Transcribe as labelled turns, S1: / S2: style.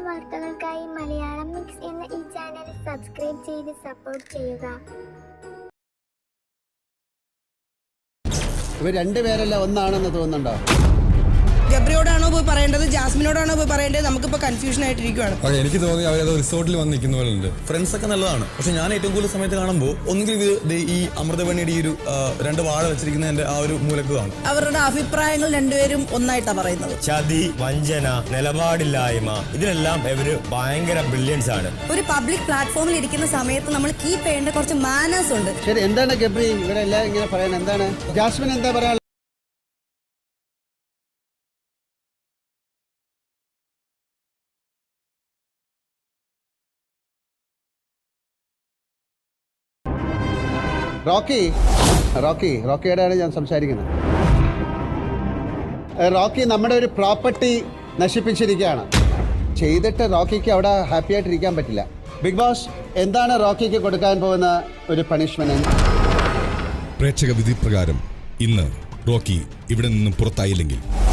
S1: വാർത്തകൾക്കായി മലയാളം മിക്സ് എന്ന ഈ ചാനൽ സബ്സ്ക്രൈബ് ചെയ്ത് സപ്പോർട്ട് ചെയ്യുക.
S2: ഇവർ രണ്ടുപേരല്ല ഒന്നാണെന്ന് തോന്നുന്നുണ്ടോ?
S3: ഗബ്രിയോടാണോ പോയി പറയേണ്ടത്, ജാസ്മിനോടാണോ പോയി പറയേണ്ടത്? നമുക്കിപ്പോൾ കൺഫ്യൂഷൻ ആയിട്ടിരിക്കുകയാണ്.
S4: എനിക്ക് തോന്നി അവരത് റിസോർട്ടിൽ വന്ന് നിൽക്കുന്ന പോലെ ഉണ്ട്.
S5: ഫ്രണ്ട്സ് ഒക്കെ നല്ലതാണ്, പക്ഷെ ഞാൻ ഏറ്റവും കൂടുതൽ സമയത്ത് കാണുമ്പോൾ ഒന്നുകിൽ ഈ അമൃതവണിയുടെ ഈ ഒരു രണ്ട് വാഴ വെച്ചിരിക്കുന്നതിന്റെ ആ ഒരു മൂലക്ക് കാണും.
S3: അവരുടെ അഭിപ്രായങ്ങൾ രണ്ടുപേരും ഒന്നായിട്ടാണ് പറയുന്നത്.
S6: ചതി, വഞ്ചന, നിലപാടില്ലായ്മ, ഇതിലെല്ലാം ഇവര് ഭയങ്കര ബ്രില്യൻസ് ആണ്.
S3: ഒരു പബ്ലിക് പ്ലാറ്റ്ഫോമിൽ ഇരിക്കുന്ന സമയത്ത് നമ്മൾ കീപ്പ് ചെയ്യേണ്ട കുറച്ച് മാനേഴ്സ് ഉണ്ട്.
S2: ശരി, എന്താണ് ഗബ്രി ഇവരെല്ലാം ഇങ്ങനെ പറയാൻ? എന്താണ് ജാസ്മിൻ എന്താ പറയാ? റോക്കിയോടാണ് ഞാൻ സംസാരിക്കുന്നത്. റോക്കി നമ്മുടെ ഒരു പ്രോപ്പർട്ടി നശിപ്പിച്ചിരിക്കുകയാണ്. ചെയ്തിട്ട് റോക്കിക്ക് അവിടെ ഹാപ്പി ആയിട്ടിരിക്കാൻ പറ്റില്ല. ബിഗ് ബോസ് എന്താണ് റോക്കിക്ക് കൊടുക്കാൻ പോകുന്ന ഒരു പണിഷ്മെന്റ്?
S4: പ്രേക്ഷക വിധി പ്രകാരം ഇന്ന് റോക്കി ഇവിടെ നിന്നും പുറത്തായില്ലെങ്കിൽ